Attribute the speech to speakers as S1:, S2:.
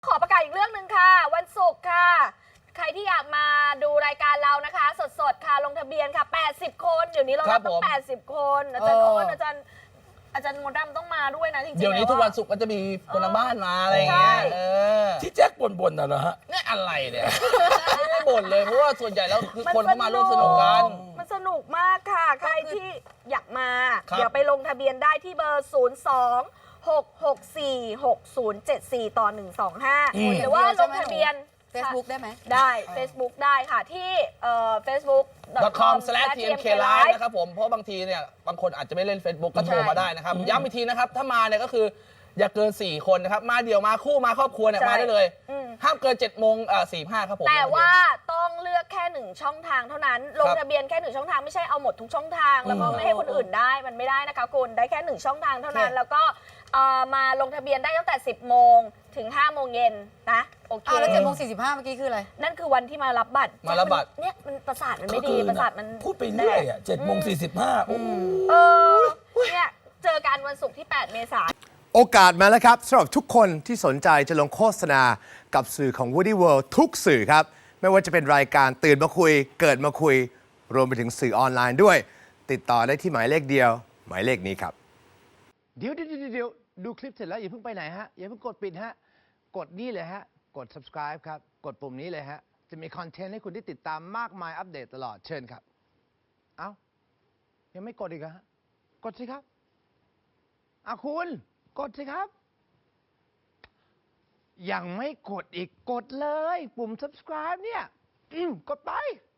S1: ขอประกาศอีกเรื่องหนึ่งค่ะวันศุกร์ค่ะใครที่อยากมาดูรายการเรานะคะสดๆค่ะลงทะเบียนค่ะ80 คนเดี๋ยวนี้เรารับต้อง80 คนอาจารย์อ้นอาจารย์มดดำต้องมาด้วยนะจริงๆ
S2: เดี๋ยวนี้ทุกวันศุกร์ก็จะมีคนทางบ้านมาอะไรอย่างเงี้ย
S3: ที่แจ็คบ่นน่ะเหรอฮะ
S2: นี่อะไรเนี่ยไม่ได้บ่นเลยเพราะว่าส่วนใหญ่แล้วคือคนเข้ามาร่วมสนุกกัน
S1: มันสนุกมากค่ะใครที่อยากมาเดี๋ยวไปลงทะเบียนได้ที่เบอร์02-664-6074ต่อ125หรือว่าลงทะเบียน
S4: Facebook ได้ไหม
S1: ได้ Facebook ได้ค่ะที่
S2: facebook.com/tmklive นะครับผมเพราะบางทีเนี่ยบางคนอาจจะไม่เล่น Facebook ก็โทรมาได้นะครับย้ำอีกทีนะครับถ้ามาเนี่ยก็คืออย่าเกิน4คนนะครับมาเดี่ยวมาคู่มาครอบครัวเนี่ยมาได้เลยห้ามเกิน7:45ครับผม
S1: แต่ว่าต้องเลือกแค่1ช่องทางเท่านั้นลงทะเบียนแค่1ช่องทางไม่ใช่เอาหมดทุกช่องทางแล้วก็ไม่ให้คนอื่นได้มันไม่ได้นะคะคุณได้แค่1ช่องทางเท่านั้นแล้วก็มาลงทะเบียนได้ตั้งแต่10 โมงถึง5 โมงเย็นนะโอเค
S4: แล้ว7:45เมื่อกี้คืออะไร
S1: นั่นคือวันที่มารับบัตรเนี่ยมันประสาทมันไม่ดีประสาทมัน
S3: พูดไปเรื่อยอ่ะ7:45
S1: เนี่ยเจอกันวันศุกร์ที่8 เมษายน
S5: โอกาสมาแล้วครับสำหรับทุกคนที่สนใจจะลงโฆษณากับสื่อของ Woody World ทุกสื่อครับไม่ว่าจะเป็นรายการตื่นมาคุยเกิดมาคุยรวมไปถึงสื่อออนไลน์ด้วยติดต่อได้ที่หมายเลขเดียวหมายเลขนี้ครับ
S6: เดี๋ยวดูคลิปเสร็จแล้วอย่าเพิ่งไปไหนฮะอย่าเพิ่งกดปิดฮะกดนี่เลยฮะกด subscribe ครับกดปุ่มนี้เลยฮะจะมีคอนเทนต์ให้คุณได้ติดตามมากมายอัปเดตตลอดเชิญครับเอ้ายังไม่กดอีกฮะกดสิครับคุณกดสิครับยังไม่กดอีกกดเลยปุ่ม subscribe เนี่ยกดไป